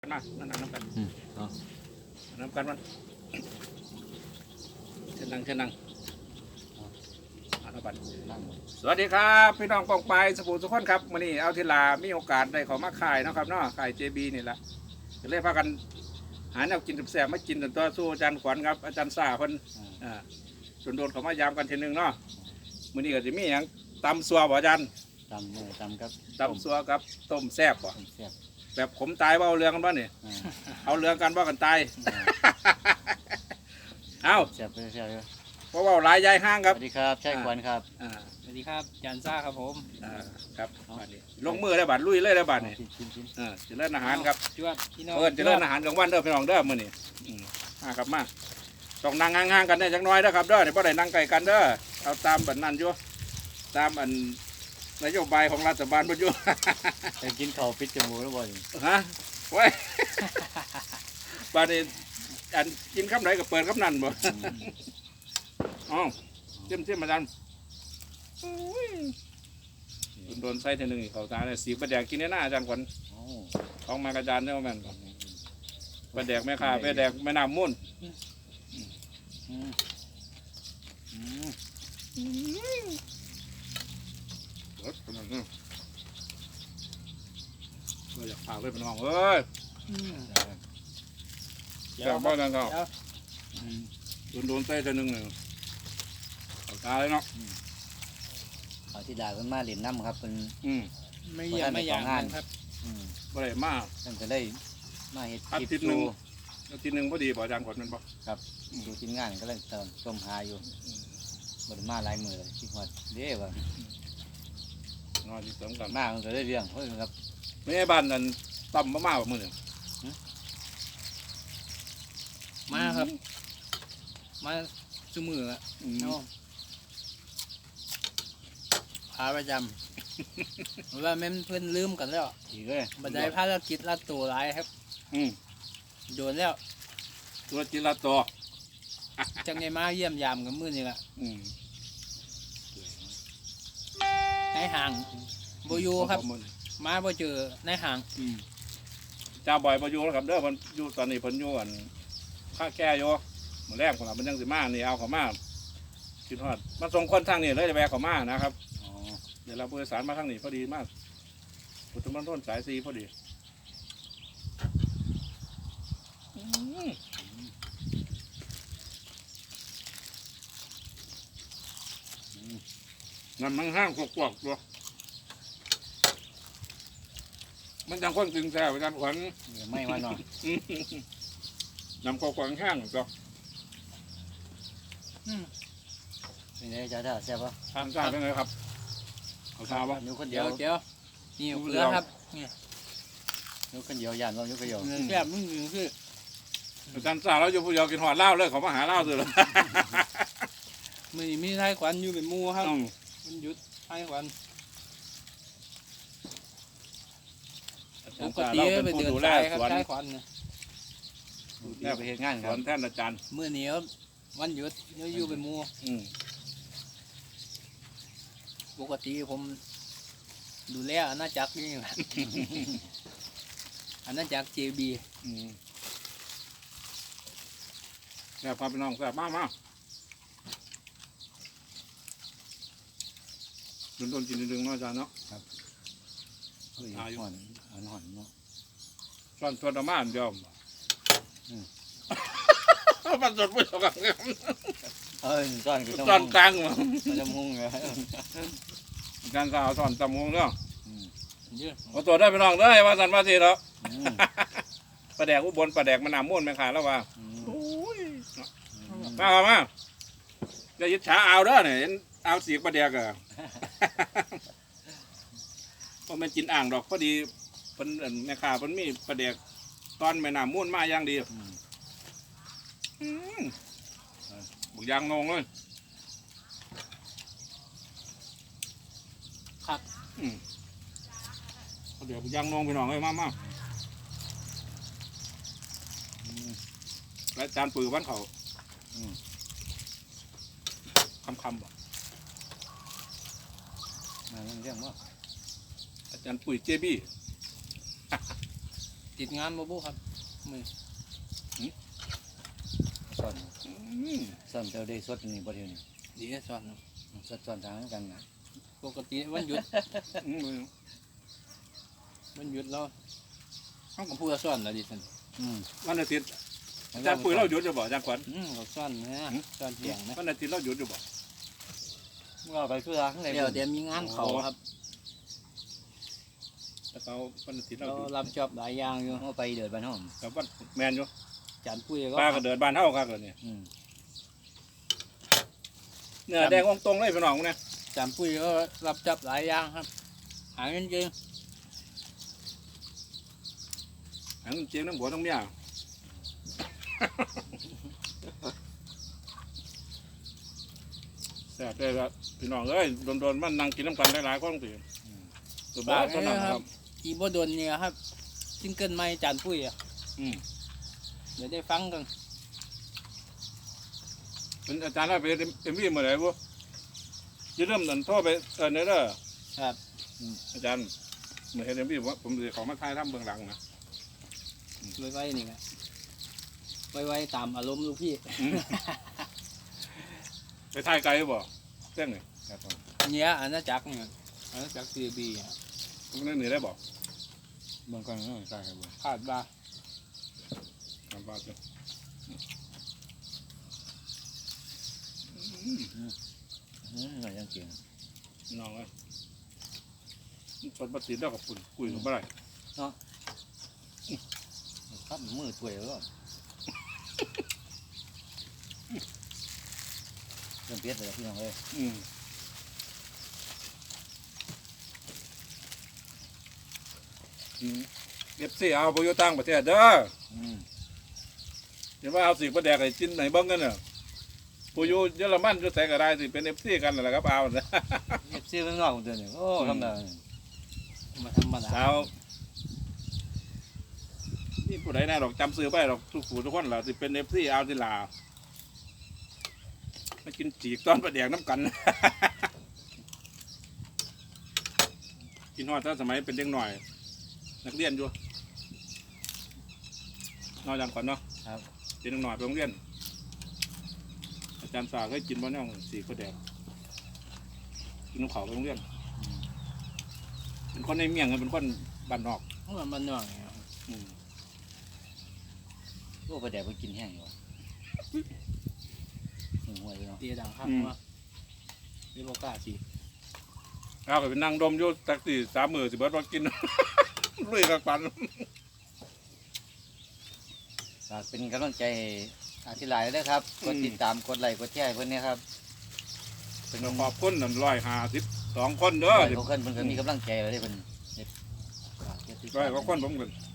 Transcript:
มานั่งน้ำกันน้ำกันมันเชิญนั่งน้ำกันสวัสดีครับพี่น้องปองปายสปูสุขคนครับวันนี้เอาทีลามีโอกาสได้เขามาขายนะครับเนาะขายเจบีนี่แหละจะเรียกพากันหาแนวกินแสบมากินจนตัวสู้อาจารย์ขวัญครับอาจารย์ซ่าคนโดนเขามายามกันทีนึงเนาะวันนี้ก็จะมีอย่างตำซัวบ่อาจารย์ตำครับตำซัวครับต้มแซ่บบ่แบบผมตายว่าเอาเรื่องกันบ้านี่เอาเรื่องกันว่ากันตายเอาแซ่บเพราะว่าหลายยายห้างครับสวัสดีครับใช่ควันครับสวัสดีครับยันซ่าครับผมครับลงมือได้บาดลุยเลยได้บาดนี่จะเล่นอาหารครับจะเล่นอาหารกลางวันเด้อพี่น้องเด้อมื้อนี้มาครับมาต้องนั่งห่างๆกันได้จักหน่อยเด้อครับเด้อเดี๋ยวพอได้นั่งไกลกันเด้อเอาตามแบบนั้นอยู่ตามอันนโยบายของรัฐบาลบ่อยู่จะกินข้าวปิดจมูกแล้วบ่ฮะไว้บาดนี้อันกินคำไหนก็เปิดคำนั้นบ่อ๋อเจิ้มมาดันโดนไส้ทีหนึ่งเขาตาเนี่ยสีประแดกกินหน้าอาจารย์ขวัญของมากระจานเนี่ยมันประแดกแม่ค้าประแดกแม่น้ำมุ่นเราอยากพาไปเป็นห้องเอ้ยอยากบ้านนั่นเขาโดนไส้ทีหนึ่งเนี่ยเขาตาเลยเนาะเขาที่ด่ากันมาเล่นน้ำครับเป็นไม่เยี่ยมไม่ยางครับบ่ได้มากตั้งแต่ได้มาเห็ดอาทิตย์หนึ่งพอดีบ่อาจารย์ขวัญมันบ่ครับดูทีมงานก็เลยต้มหาอยู่บ่ได้มาหลายมือเลยคิดว่าเด้ว่นอนที่เสริมกันมากมันก็ได้เรื่องเฮ้ยครับไม่ใช่บ้านนั้นต่ำมากๆมือหนึ่งมาครับมาชูมือพาประจำว่าแม่เพื่อนลืมกันแล้วอีกเลยบันไดภารกิจลัดตัวร้ายครับโดนแล้วตัวจิรัตตัวจังไงมาเยี่ยมยามกับมือนี่แหละในห่างโบยูครับมาโบเจอในห่างจ้าบ่อยโบยูแล้วครับเด้อมันอยู่ตอนนี้เพิ่นอยู่อันข้าแก่อยู่มือแรกของเราเป็นยังสิมานี่เอาเขามาคิดฮอดมาส่งคนทางนี้เลยจะแวะเขามานะครับเดี๋ยวเราผู้โดยสารมาทางนี้พอดีมากพุทธมณฑลสายซีพอดีน้ำมันห้างกวกๆตัวมันจังคนกินแซ่บอาจารย์ขวัญไม่ว่าหน่อยน้ำกวกๆห้างตัวเป็นไงจ้าแซ่บปะทานซ่าเป็นไงครับเขาทราบว่านิ้วคนเดียวนี่เกลือครับนิ้วคนเดียวย่านเรานิ้วคนเดียวแซ่บมึงคืออาจารย์ซ่าเราอยู่ผู้เดียวกินหอดเหล้าเลยเขามาหาเหล้าสุดเลยมีไทยขวัญอยู่เป็นมูครับมันหยุดไทยขวัญปกติไปเดินสายครับไทยขวัญเนี่ยไปเห็นงานครับแท่นอาจารย์เมื่อนี้วันหยุดอยู่เป็นมูปกติผมดูแลอาณาจักรนี่แหละอาณาจักร JB แซ่บพาไปน้องแซ่บมากโดนกินดึงๆเนาะอาจารย์เนาะครับห่อนเนาะช้อนตัวมาเดียวมันสดไม่สกัดเงี้ยซ่อนกลางมั้งจมูกเลยการสาวซ่อนจมูกเนาะเอาตัวได้ไปน้องได้ว่าสันว่าทีแล้วปลาแดกอุบลปลาแดกมันหนามม้วนแมงขาแล้วว่ามาจะยึดขาเอาเด้อเนี่ยเอาสีปลาแดกอะเพราะมันกินอ่างดอกพอดีเป็นแม่ขาเป็นมีปลาแดกตอนแม่หนามม้วนมาอย่างดีบุกยางงงเลยครับเดี๋ยวบุกยางงงไปหน่อยเลยมากและจานปืนบ้านเขาคำบอกมาเรื่องว่าอาจารย์ปุ๋ยเจบี้ติดงานบ่บุครับมือซ่อนอืมซ่อนเจ้าได้สดนี่บ่เดียวนี่ดีสอนครับสดซ่อนทางกันนะปกติวันหยุดอืมวันหยุดเราเขาก็พูดว่าสอนแล้วดิสันอืมวันอาทิตย์อาจารย์ปุ๋ยเราหยุดอยู่บ่อาจารย์ขวัญเขาสอนนะสอนเสียงนะวันอาทิตย์เราหยุดอยู่บ่เราไปคือข้างในเดี๋ยวเดี๋ยวมีงานเขาครับแต่เขาวันอาทิตย์เราเราหยุดรับจอบหลายอย่างอยู่เอาไปเดินบ้านห้องกับวันแมนอยู่จานปุ้ยก็ป้าก็เดินบ้านเฮาครับเลยวนี้อืมเนื้อแดงองตรงเลยพี่น้องเนี่ยจานปุ้ยก็รับจอบหลายอย่างครับ หาเงินเก่งอันเจียงน้ำหัวน้ำเมียแซ่บเลยครับพี่น้องเอ้ยโดนๆมันนั่งกินน้ำกันหลายๆคนสิตัวบ้าตัวนั้นครับอีโบโดนเนี่ยครับซิงเกิลใหม่จานปุ้ยอ่ะอืมเดี๋ยวได้ฟังกันเป็นอาจารย์เราไปเอ็มวีเมื่อไหร่บุจะเริ่มนั่นโทรไปเนเด้อครับอาจารย์เมื่อเห็นเอ็มวีผมจะของมาถ่ายทำเบื้องหลังนะไว้นี่ครับไว้ตามอารมณ์ลูกพี่อืมไปถ่ายไกลบ่เส้นนี่ครับผมเนี่ยอาณาจักรเนี่ยอาณาจักรซีบีอ่ะมันนั่นหนีได้บ่เบิ่งก่อนเนาะใช่ครับผมคาดว่าทำบ้าจ้ะหน่อยยังเก่งน้องเอ้ยคนบัดติดแล้วกับคุณคุยกับอะไรครับมือถ้วยแล้วเริ่มเปลี่ยนไปแล้วพี่น้องเอ้ยเอฟซีเอาไปอยู่ต่างประเทศเด้ออืมเดี๋ยวว่าเอาสิประแดกไอ้จิ้นไหนเบ้างกันเนี่ยผู้อยู่เยอรมันจะใส่ก็ได้สิเป็นเอฟซีกันนั่นแหละครับเอานะเอฟซีเพิ่งงอกตัวนี้โอ้ทำได้มาธรรมดาสาวนี่ผู้ใดแน่หรอกจำซื้อไปหรอกทุกผู้ทุกคนเราสิเป็นเอฟซีเอาที่ลาวมากินจีกตอนประแดกน้ำกัน กินฮอดตั้งสมัยเป็นเด็กหน่อย นักเรียนอยู่นอกจากก่อนเนาะครับเป็นเด็กหน่อยไปโรงเรียน อาจารย์สาเคยกินบ้านย่องสีข้าวแดงกินน้ำเขาไปโรงเรียน เป็นคนในเมียงเป็นคนบ้านนอกมันน่องเนี่ยครับอืมโอ้ไปแดกไปกินแห้งอยู่หัวอยู่เนาะตีดังครับว่าเรียกกล้าสิเอาไปเป็นนั่งดมอยู่ตักสี่3 มื้อสิเบิดมากิน ลุยกับปันฝากเป็นกำลังใจอาทิตย์หลายเลยครับกดติดตามกดไลค์กดแชร์เพื่อนเนี่ยครับเป็นขอบคุณ152 คนเด้อเขาเพิ่นก็มีกำลังใจเลยเพิ่นเฮ็ดฝากเฮ็ดติดตาม 100 กว่าคนผมกัน